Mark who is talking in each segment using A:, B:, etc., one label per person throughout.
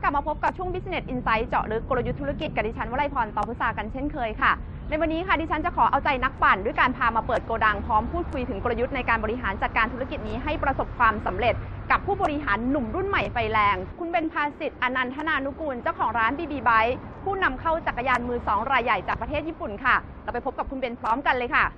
A: ลับมาพบกับช่วง Business Insight เจาะลึกกลยุทธ์ธุรกิจกับดิฉันวลัยพร ตอพุษากันเช่นเคยค่ะในวันนี้ค่ะดิฉันจะขอเอาใจนักปั่นด้วยการพามาเปิดโกดังพร้อมพูดคุยถึงกลยุทธ์ในการบริหารจัดการธุรกิจนี้ให้ประสบความสำเร็จกับผู้บริหารหนุ่มรุ่นใหม่ไฟแรงคุณเบนภาสิทธิ์อนันทนานุกูลเจ้าของร้าน BB Bike ผู้นำเข้าจักรยานมือ2รายใหญ่จากประเทศญี่ปุ่นค่ะเราไปพบกับคุณเบนพร้อมกันเลยค่ะ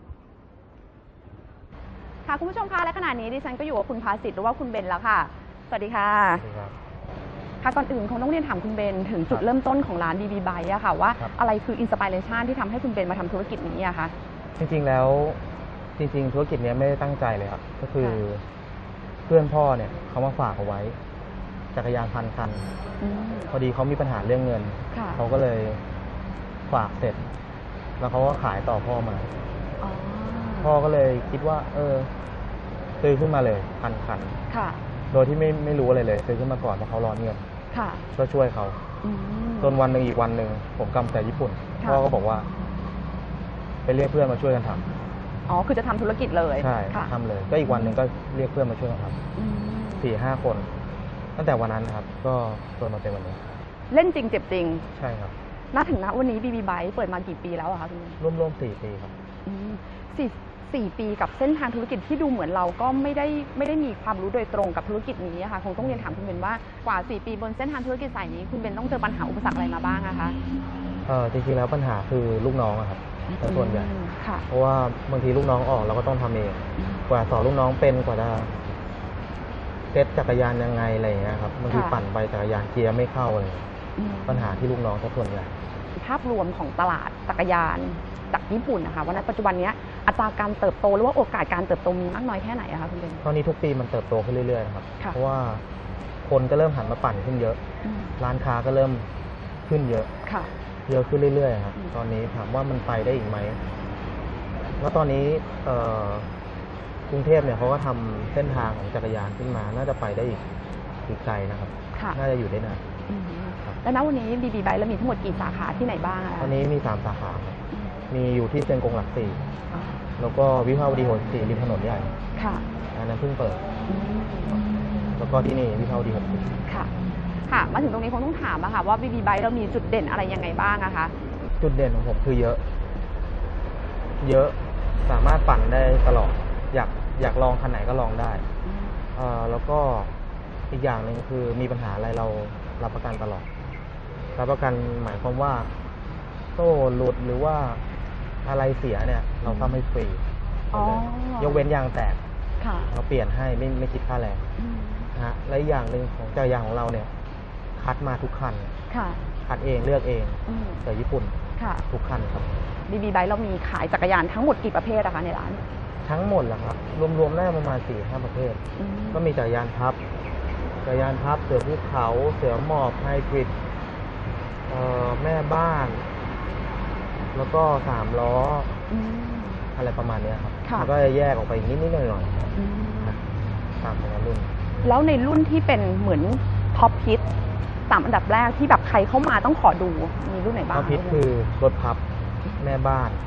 A: คุณผู้ชมคะและขณะนี้ดิฉันก็อยู่กับคุณภาสิทธิ์หรือว่าคุณเบนแล้วค่ะสวัสดีค่ะค่ะก่อนอื่นคงต้องเรียนถามคุณเบนถึงจุดเริ่มต้นของร้าน BB Bike อะค่ะว่าอะไรคืออินสปิเรชันที่ทำให้คุณเบนมาทำธุรกิจนี้อะคะ
B: จริงๆแล้วธุรกิจนี้ไม่ได้ตั้งใจเลยครับก็คือเพื่อนพ่อเนี่ยเขามาฝากเอาไว้จักรยาน1,000 คันพอดีเขามีปัญหาเรื่องเงินเขาก็เลยฝากเสร็จแล้วเขาก็ขายต่อพ่อมาพ่อก็เลยคิดว่าซื้อขึ้นมาเลย1,000 คันโดยที่ไม่รู้อะไรเลยซื้อขึ้นมาก่อนเพราะเขาร้อนเงินก็ช่วยเขาจนวันหนึ่งอีกวันหนึ่งผมกลับจากญี่ปุ่นพ่อก็บอกว่าไปเรียกเพื่อนมาช่วยกันทำ
A: คือจะทำธุรกิจเลย
B: ใช่ทำเลยก็อีกวันหนึ่งก็เรียกเพื่อนมาช่วยกันทำ4-5 คนตั้งแต่วันนั้นครับก็จนมาเป็นวันนี้
A: เล่นจริงเจ็บจริง
B: ใช่ครับ
A: ณถึงณวันนี้ BB Bike เปิดมากี่ปีแล้วอะคะคุณ
B: ร่วม4 ปีครับ
A: 4 ปีกับเส้นทางธุรกิจที่ดูเหมือนเราก็ไม่ได้มีความรู้โดยตรงกับธุรกิจนี้ค่ะคงต้องเรียนถามคุณเบนว่ากว่า4 ปีบนเส้นทางธุรกิจสายนี้คุณเบนต้องเจอปัญหาอุปสรรคอะไรมาบ้างอะคะ
B: จริงๆแล้วปัญหาคือลูกน้องครับส่วนใหญ่เพราะว่าบางทีลูกน้องออกเราก็ต้องทำเองกว่าสอนลูกน้องเป็นกว่าจะเซ็ตจักรยานยังไงอะไรอย่างเงี้ยครับบางทีปั่นไปจักรยานเกียร์ไม่เข้าเลยปัญหาที่ลูกน้องส่วนใหญ่
A: ภาพรวมของตลาดจักรยานจากญี่ปุ่นนะคะวันนั้นปัจจุบันนี้อัตราการเติบโตหรือว่าโอกาสการเติบโตมีมากน้อยแค่ไหนคะคุณเบน
B: ตอนนี้ทุกปีมันเติบโตขึ้นเรื่อยๆครับเพราะว่าคนก็เริ่มหันมาปั่นขึ้นเยอะร้านค้าก็เริ่มขึ้นเยอะเยอะขึ้นเรื่อยๆครับตอนนี้ถามว่ามันไปได้อีกไหมแล้วตอนนี้กรุงเทพเนี่ยเขาก็ทำเส้นทางของจักรยานขึ้นมาน่าจะไปได้อีกไกลนะครับน่าจะอยู่ได้นาน
A: แล้วณวันนี้ BB Bike แล้วมีทั้งหมดกี่สาขาที่ไหนบ้าง
B: ตอนนี้มี3 สาขาครับมีอยู่ที่เชียงกงหลัก4แล้วก็วิภาวดี64ริมถนนใหญ่อันนั้นเพิ่งเปิดแล้วก็ที่นี่วิภาวดี60
A: ค่ะมาถึงตรงนี้คงต้องถามอะค่ะว่า BB Bike เรามีจุดเด่นอะไรยังไงบ้างอะคะ
B: จุดเด่นของผมคือเยอะสามารถปั่นได้ตลอดอยากลองคันไหนก็ลองได้แล้วก็อีกอย่างหนึ่งคือมีปัญหาอะไรเรารับประกันตลอดรับประกันหมายความว่าโซ่หลุดหรือว่าอะไรเสียเนี่ยเราซ่อมให้ฟรียกเว้นยางแตกเราเปลี่ยนให้ไม่คิดค่าแรงนะฮะและอย่างหนึ่งของจักรยานของเราเนี่ยคัดมาทุกคันคัดเองเลือกเองจากญี่ปุ่นทุกคันครับ
A: BB Bike เรามีขายจักรยานทั้งหมดกี่ประเภทนะคะในร้าน
B: ทั้งหมดเหรอครับรวมๆได้ประมาณ 4-5 ประเภทก็มีจักรยานพับเสือภูเขาเสือหมอบไฮบริดแม่บ้านแล้วก็3 ล้ออะไรประมาณนี้ครับแล้วก็แยกออกไปนิดๆหน่อยๆตามแต่ละรุ่น
A: แล้วในรุ่นที่เป็นเหมือนท็อปฮิต3 อันดับแรกที่แบบใครเข้ามาต้องขอดูมีรุ่นไหนบ้าง
B: ท็อปฮิตคือรถพับแม่บ้าน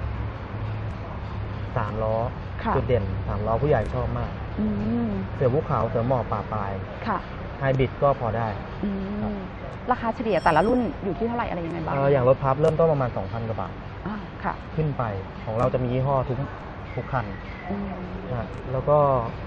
B: 3 ล้อจุดเด่น3 ล้อผู้ใหญ่ชอบมากเสือภูเขาเสือหมอบป่าปลายไฮบริดก็พอได้
A: ราคาเฉลี่ยแต่ละรุ่นอยู่ที่เท่าไหร่อะไรยังไงบ้าง
B: อย่างรถพับเริ่มต้นประมาณ 2,000 กว่าบาทขึ้นไปของเราจะมียี่ห้อทุกคันแล้วก็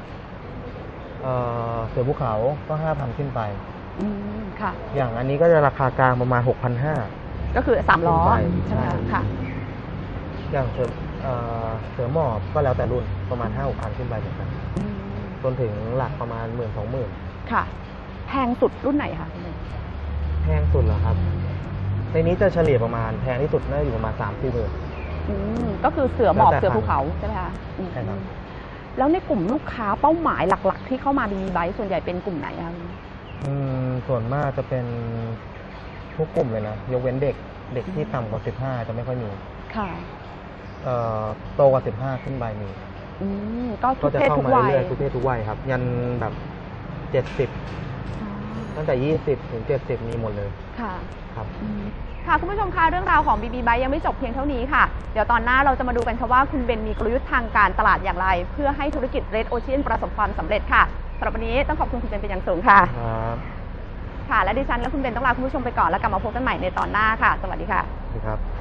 B: เสือภูเขาก็ 5,000 ขึ้นไปอย่างอันนี้ก็จะราคากลางประมาณ 6,500
A: ก็คือ3 ล้อใช่ไหมคะ
B: อย่างเสือหมอบก็แล้วแต่รุ่นประมาณ 5-6,000 ขึ้นไปเหมือนกันจนถึงหลักประมาณ 10,000-20,000
A: ค่ะแพงสุดรุ่นไหนคะ
B: แพงสุดเหรอครับในนี้จะเฉลี่ยประมาณแพงที่สุดน่าจะอยู่ประมาณ 3-4 หมื่น
A: ก็คือเสือหมอบเสือภูเขาใช่ไหมคะ
B: ใช่ครับ
A: แล้วในกลุ่มลูกค้าเป้าหมายหลักๆที่เข้ามา BB Bike ส่วนใหญ่เป็นกลุ่มไหนคะ
B: ส่วนมากจะเป็นทุกกลุ่มเลยนะยกเว้นเด็กที่ต่ำกว่า15จะไม่ค่อยมีโตกว่า15ขึ้นไปมี
A: ก็จะเข้ามาเรื่อย
B: ๆทุกเพศทุกวัยครับยันแบบ70ตั้งแต่20ถึง70มีหมดเลยครับ
A: คุณผู้ชมคะเรื่องราวของ BB Bike ยังไม่จบเพียงเท่านี้ค่ะเดี๋ยวตอนหน้าเราจะมาดูกันค่ะว่าคุณเบนมีกลยุทธ์ทางการตลาดอย่างไรเพื่อให้ธุรกิจ Red Ocean ประสบความสำเร็จค่ะสำหรับวันนี้ต้องขอบคุณคุณเบนเป็นอย่างสูงค่ะค่ะและดิฉันและคุณเบนต้องลาคุณผู้ชมไปก่อนแล้วกลับมาพบกันใหม่ในตอนหน้าค่ะสวัสดีค่ะ
B: สวัสดีครับ